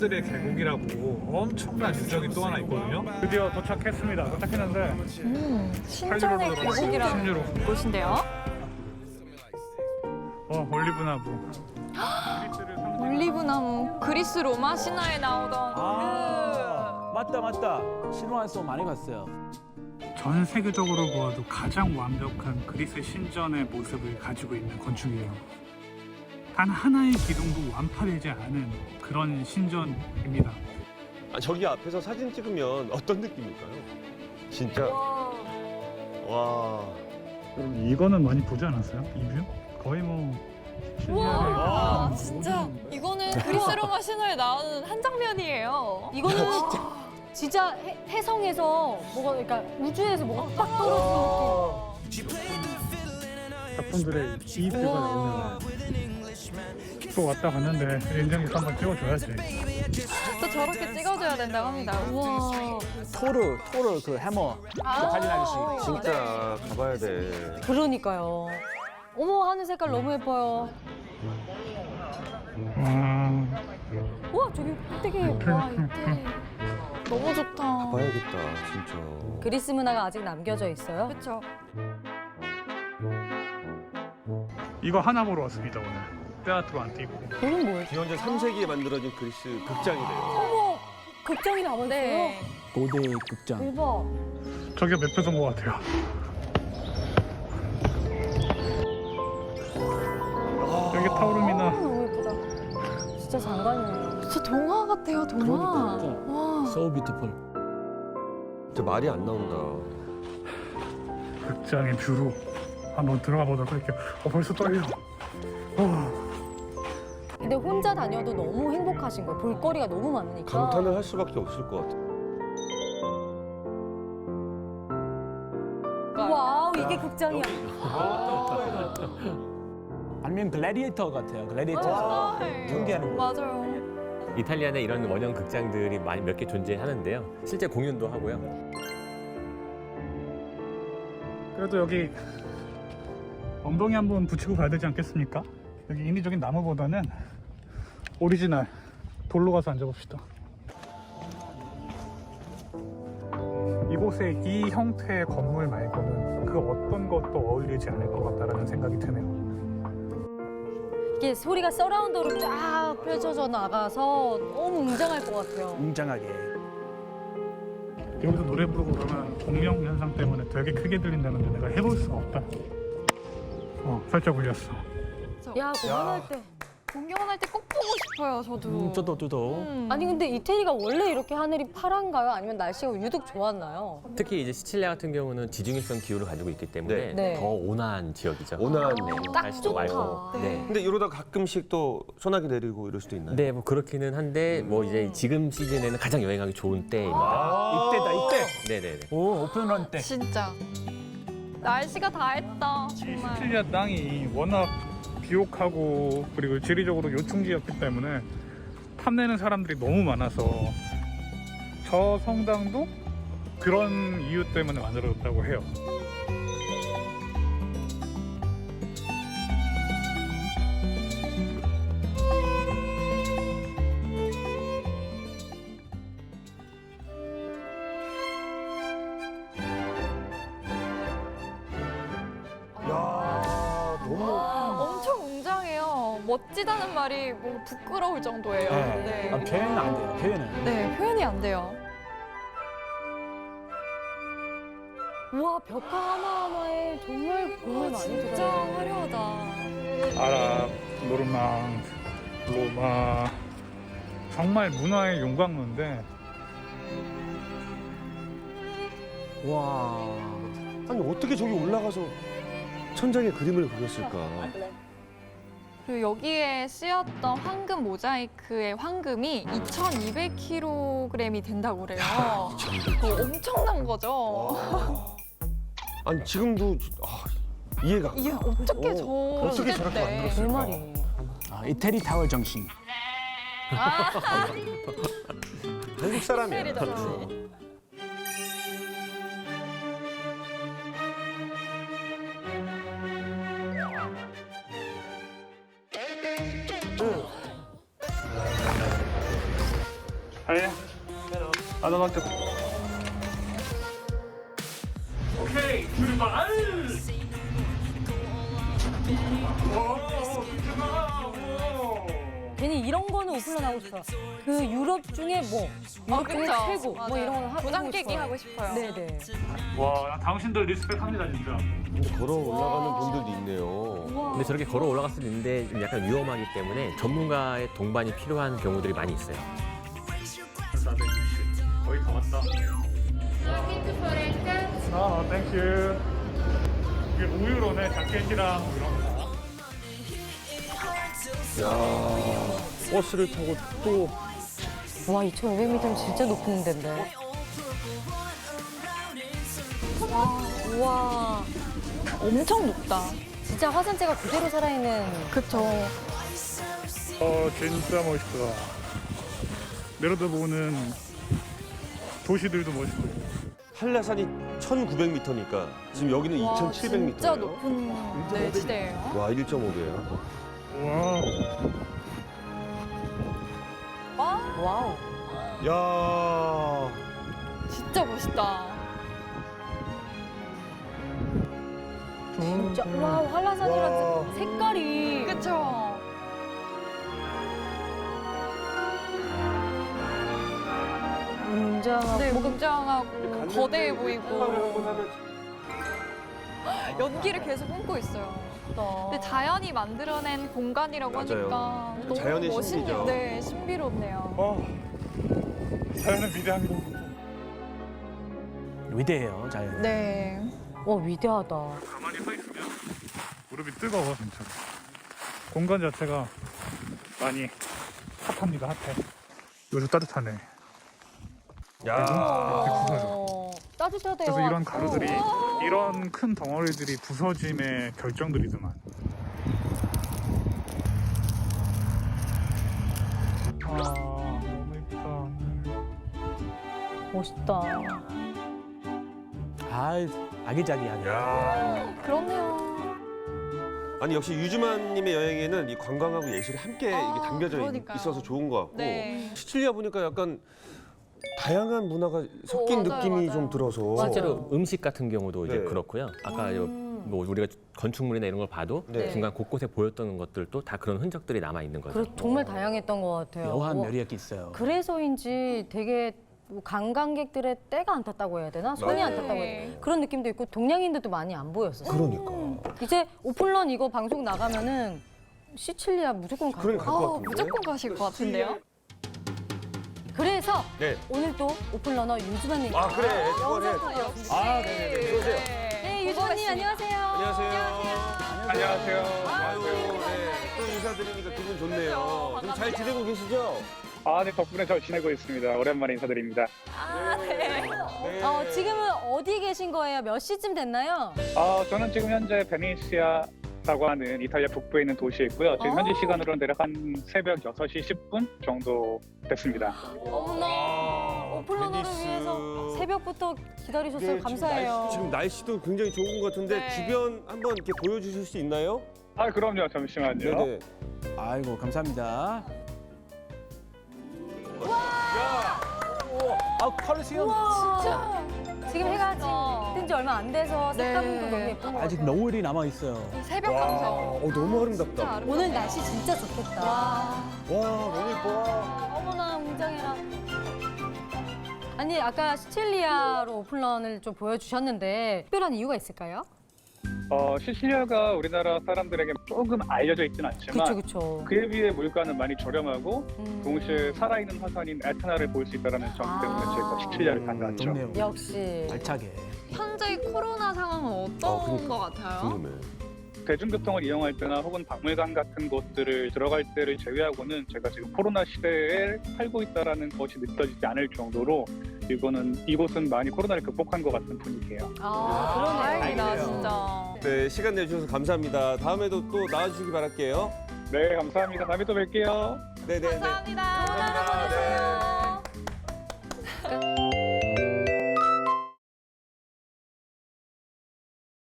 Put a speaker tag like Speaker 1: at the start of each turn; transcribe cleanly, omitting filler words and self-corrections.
Speaker 1: 들의 계곡이라고 엄청난 유적이 또 하나 있거든요. 드디어 도착했습니다. 도착했는데
Speaker 2: 신전의
Speaker 1: 8유로로 들어갔어요.
Speaker 2: 계곡이라는
Speaker 1: 10유로.
Speaker 2: 곳인데요.
Speaker 1: 올리브나무.
Speaker 2: 올리브나무, 그리스 로마 신화에 나오던
Speaker 3: 맞다. 신화에서 많이 갔어요.
Speaker 1: 전 세계적으로 보아도 가장 완벽한 그리스 신전의 모습을 가지고 있는 건축이에요. 단 하나의 기둥도 완파되지 않은 그런 신전입니다.
Speaker 4: 아, 저기 앞에서 사진 찍으면 어떤 느낌일까요? 진짜 와.
Speaker 1: 여러분 이거는 많이 보지 않았어요? 이 뷰? 거의 뭐
Speaker 2: 와, 진짜 이거는 그리스 로마 신화에 나오는 한 장면이에요.
Speaker 5: 이거는 진짜 해성에서 뭐가 그러니까 우주에서 뭐가 빡 떨어지는
Speaker 1: 작품들의 이 뷰가 나오면 또 왔다 갔는데 인증샷 한번 찍어줘야지.
Speaker 2: 또 저렇게 찍어줘야 된다고 합니다. 우와.
Speaker 3: 토르 그 해머 가진 아저씨.
Speaker 4: 진짜 가봐야 돼.
Speaker 5: 느낌. 그러니까요. 어머 하늘 색깔 너무 예뻐요. 우와 저기 되게 와 이태.
Speaker 2: 너무 좋다.
Speaker 4: 가봐야겠다, 진짜.
Speaker 5: 그리스 문화가 아직 남겨져 있어요.
Speaker 2: 그렇죠.
Speaker 1: 이거 하나 보러 왔습니다 오늘. 테아트로 안 뛰고.
Speaker 5: 이건 뭐예요?
Speaker 4: 기원전 3세기에 만들어진 그리스 극장이래요.
Speaker 5: 어머 극장이 나와 있어요.
Speaker 2: 네.
Speaker 3: 고대 극장.
Speaker 5: 대박.
Speaker 1: 저게 맵에서 온 것 같아요. 여기 타오르미나.
Speaker 5: 너무 예쁘다. 진짜 장관이네요.
Speaker 2: 진짜 동화 같아요, 동화.
Speaker 3: 그러니까.
Speaker 2: 와.
Speaker 3: So beautiful.
Speaker 4: 진짜 말이 안 나온다.
Speaker 1: 극장의 뷰로 한번 들어가 보도록 할게요. 벌써 떨려.
Speaker 5: 근데 혼자 다녀도 너무 행복하신 거예요. 볼거리가 너무 많으니까.
Speaker 4: 감탄을 할 수밖에 없을 것 같아.
Speaker 5: 와우 이게 극장이야.
Speaker 3: 아니면 글래디에이터 같아요. 글래디에이터 경기하는 거.
Speaker 2: 맞아요.
Speaker 6: 이탈리아에 이런 원형 극장들이 많이 몇 개 존재하는데요. 실제 공연도 하고요.
Speaker 1: 그래도 여기 엉덩이 한번 붙이고 가야 되지 않겠습니까? 여기 인위적인 나무보다는 오리지널 돌로 가서 앉아봅시다. 이곳에 이 형태의 건물 말고는 그 어떤 것도 어울리지 않을 것 같다라는 생각이 드네요.
Speaker 5: 이게 소리가 서라운드로 쫙 펼쳐져 나가서 너무 웅장할 것 같아요.
Speaker 3: 웅장하게.
Speaker 1: 여기서 노래 부르고 그러면 공명 현상 때문에 되게 크게 들린다는데 내가 해볼 수가 없다. 살짝 울렸어.
Speaker 5: 야 공연할 때.
Speaker 2: 공연할 때 꼭 보고 싶어요, 저도.
Speaker 3: 저도.
Speaker 5: 아니 근데 이태리가 원래 이렇게 하늘이 파란가요? 아니면 날씨가 유독 좋았나요?
Speaker 6: 특히 이제 시칠리아 같은 경우는 지중해성 기후를 가지고 있기 때문에
Speaker 5: 네.
Speaker 6: 더 온화한 지역이죠.
Speaker 4: 온화한.
Speaker 5: 딱
Speaker 6: 날씨도
Speaker 5: 좋다.
Speaker 6: 맑고. 네.
Speaker 4: 근데 이러다 가끔씩 또 소나기 내리고 이럴 수도 있나요?
Speaker 6: 네, 뭐 그렇기는 한데 뭐 이제 지금 시즌에는 가장 여행하기 좋은 때입니다.
Speaker 3: 이때다 이때.
Speaker 6: 네네네.
Speaker 3: 오 오픈런 때.
Speaker 2: 진짜. 날씨가 다 했다, 정말.
Speaker 1: 시칠리아 땅이 워낙 비옥하고 그리고 지리적으로 요충지였기 때문에 탐내는 사람들이 너무 많아서 저 성당도 그런 이유 때문에 만들어졌다고 해요.
Speaker 4: 야, 너무.
Speaker 2: 엄청 웅장해요. 멋지다는 말이 뭐 부끄러울 정도예요.
Speaker 3: 네. 아, 표현은 안 돼요. 표현은.
Speaker 2: 네, 표현이 안 돼요.
Speaker 5: 우와 벽화 하나하나에 정말 공을 많이
Speaker 2: 진짜
Speaker 5: 들어요.
Speaker 2: 화려하다.
Speaker 1: 아랍, 노르망, 로마 정말 문화의 용광로인데
Speaker 3: 와.
Speaker 4: 아니, 어떻게 저기 올라가서 천장에 그림을 그렸을까?
Speaker 2: 그리고 여기에 쓰였던 황금 모자이크의 황금이 2,200kg이 된다고 그래요. 그거 엄청난 거죠.
Speaker 4: 아니, 지금도 이해가 안 가.
Speaker 2: 이게 어떻게 저
Speaker 4: 어떻게
Speaker 2: 시대
Speaker 4: 저렇게
Speaker 2: 때.
Speaker 4: 만들었을까?
Speaker 5: 그 말이에요.
Speaker 3: 아, 이태리 타워 정신.
Speaker 4: 한국 사람이야.
Speaker 2: 스타일이다.
Speaker 1: 아니. 아나한테. 오케이 출발.
Speaker 5: 괜히 이런 거는 오픈런 하고 싶어요. 그 유럽 중에 뭐 유럽 중에
Speaker 2: 그쵸.
Speaker 5: 최고 뭐
Speaker 2: 맞아요.
Speaker 5: 이런 거 하고
Speaker 2: 도장 깨기
Speaker 5: 싶어요.
Speaker 2: 하고 싶어요.
Speaker 5: 네네.
Speaker 1: 와, 당신들 리스펙합니다 진짜.
Speaker 4: 근데 걸어 올라가는 분들도 있네요.
Speaker 6: 근데 저렇게 걸어 올라갈 수도 있는데 좀 약간 위험하기 때문에 전문가의 동반이 필요한 경우들이 많이 있어요.
Speaker 1: 460. 거의 다 왔다. 아, 땡큐. 이게 우유로네, 자켓이랑 뭐 이런 거.
Speaker 4: 야 버스를 타고 또
Speaker 5: 와 2,500m면 진짜 높은 데인데. 와
Speaker 2: 엄청 높다.
Speaker 5: 진짜 화산재가 그대로 살아있는.
Speaker 2: 그쵸.
Speaker 1: 진짜 멋있다. 내려다보는 도시들도 멋있고.
Speaker 4: 한라산이 1,900m니까 지금 여기는
Speaker 2: 와,
Speaker 4: 2,700m예요.
Speaker 2: 진짜 높은 네, 지대예요.
Speaker 4: 와 1.5배예요.
Speaker 1: 와,
Speaker 5: 와우.
Speaker 4: 야
Speaker 2: 진짜 멋있다.
Speaker 5: 진짜 와 한라산이랑
Speaker 4: 와.
Speaker 5: 색깔이.
Speaker 2: 그쵸.
Speaker 5: 웅장하고.
Speaker 2: 네, 웅장하고 거대해 보이고 연기를 계속 품고 있어요. 근데 자연이 만들어낸 공간이라고
Speaker 4: 맞아요.
Speaker 2: 하니까 너무
Speaker 4: 자연의
Speaker 2: 멋있네요.
Speaker 4: 신비죠.
Speaker 2: 네, 신비롭네요.
Speaker 1: 자연은 위대합니다.
Speaker 3: 위대해요, 자연.
Speaker 2: 네.
Speaker 5: 와 위대하다.
Speaker 1: 가만히 서 있으면 무릎이 뜨거워 진짜. 공간 자체가 많이 핫합니다, 핫해. 요즘 따뜻하네.
Speaker 4: 야.
Speaker 5: 따뜻하대요.
Speaker 1: 그래서 이런 가루들이, 이런 큰 덩어리들이 부서짐의 결정들이더만. 아, 너무 예쁘다.
Speaker 5: 멋있다.
Speaker 3: 아, 아기자기하게.
Speaker 2: 그렇네요.
Speaker 4: 아니 역시 유주만님의 여행에는 이 관광하고 예술이 함께 이게 담겨져
Speaker 2: 그러니까요.
Speaker 4: 있어서 좋은 것 같고
Speaker 2: 네.
Speaker 4: 시칠리아 보니까 약간 다양한 문화가 섞인
Speaker 2: 맞아요,
Speaker 4: 느낌이
Speaker 2: 맞아요.
Speaker 4: 좀 들어서
Speaker 5: 맞아요.
Speaker 6: 실제로 음식 같은 경우도 이제
Speaker 4: 네.
Speaker 6: 그렇고요. 아까 뭐 우리가 건축물이나 이런 걸 봐도
Speaker 4: 네.
Speaker 6: 중간 곳곳에 보였던 것들도 다 그런 흔적들이 남아 있는 거죠.
Speaker 5: 그래 정말 다양했던 것 같아요.
Speaker 3: 묘한 매력이 있어요.
Speaker 5: 그래서인지 되게 뭐 관광객들의 때가 안 탔다고 해야 되나? 손이 안
Speaker 2: 맞아요.
Speaker 5: 탔다고 해야 되나? 그런 느낌도 있고 동양인들도 많이 안 보였었어요.
Speaker 4: 그러니까
Speaker 5: 이제 오픈런 이거 방송 나가면은 시칠리아 무조건 갈
Speaker 4: 그러니까
Speaker 5: 거예요.
Speaker 4: 갈것 같은데?
Speaker 2: 무조건 가실 것 같은데요?
Speaker 5: 그래서
Speaker 4: 네.
Speaker 5: 오늘 또 오픈러너 유주만님.
Speaker 4: 아 그래 그거네
Speaker 2: 아, 네.
Speaker 4: 들어오세요.
Speaker 5: 네, 유주만님 안녕하세요.
Speaker 4: 안녕하세요.
Speaker 1: 안녕하세요.
Speaker 4: 아유 네. 또 인사드리니까 기분 좋네요. 좀 잘 지내고 계시죠?
Speaker 1: 아, 네, 덕분에 잘 지내고 있습니다. 오랜만에 인사드립니다.
Speaker 4: 네.
Speaker 5: 지금은 어디 계신 거예요? 몇 시쯤 됐나요?
Speaker 1: 저는 지금 현재 베네치아라고 하는 이탈리아 북부에 있는 도시에 있고요. 지금 현지 시간으로는 대략 한 새벽 6시 10분 정도 됐습니다.
Speaker 5: 어머나 오픈러너를
Speaker 4: 베니스.
Speaker 5: 위해서 새벽부터 기다리셨어요.
Speaker 4: 네,
Speaker 5: 감사해요.
Speaker 4: 지금 날씨도 굉장히 좋은 것 같은데
Speaker 2: 네.
Speaker 4: 주변 한번 이렇게 보여주실 수 있나요?
Speaker 1: 아, 그럼요. 잠시만요.
Speaker 4: 네네.
Speaker 3: 아이고, 감사합니다. 아, 컬리시엄.
Speaker 5: 우와. 지금 해가
Speaker 2: 진짜.
Speaker 5: 뜬 지 얼마 안 돼서 색감도
Speaker 2: 네.
Speaker 5: 너무 예쁜 것
Speaker 3: 아직
Speaker 5: 같아요.
Speaker 3: 노을이 남아 있어요.
Speaker 2: 이 새벽 감성.
Speaker 4: 너무 아름답다.
Speaker 2: 진짜 아름다워.
Speaker 5: 오늘 날씨 진짜 좋겠다.
Speaker 2: 와.
Speaker 4: 와 너무 예뻐.
Speaker 5: 어머나 웅장해라. 아니 아까 시칠리아로 오픈런을 좀 보여주셨는데 특별한 이유가 있을까요?
Speaker 1: 시칠리아가 우리나라 사람들에게 조금 알려져 있지는 않지만
Speaker 5: 그렇죠, 그렇죠.
Speaker 1: 그에 비해 물가는 많이 저렴하고 동시에 살아있는 화산인 에트나를 볼 수 있다는 점 때문에 저희가 시칠리아를 간 것 같죠.
Speaker 3: 좋네요.
Speaker 5: 역시.
Speaker 3: 알차게.
Speaker 2: 현재 코로나 상황은 어떤
Speaker 4: 그러니까.
Speaker 2: 것 같아요?
Speaker 4: 궁금해.
Speaker 1: 대중교통을 이용할 때나 혹은 박물관 같은 곳들을 들어갈 때를 제외하고는 제가 지금 코로나 시대에 살고 있다는 것이 느껴지지 않을 정도로 이곳은 많이 코로나를 극복한 것 같은 분위기예요.
Speaker 2: 다행이다,
Speaker 4: 다행이네요.
Speaker 2: 진짜.
Speaker 4: 네 시간 내주셔서 감사합니다. 다음에도 또 나와주시기 바랄게요.
Speaker 1: 네, 감사합니다. 다음에 또 뵐게요.
Speaker 4: 네네네.
Speaker 2: 감사합니다.
Speaker 4: 감사합니다. 네.
Speaker 5: 끝.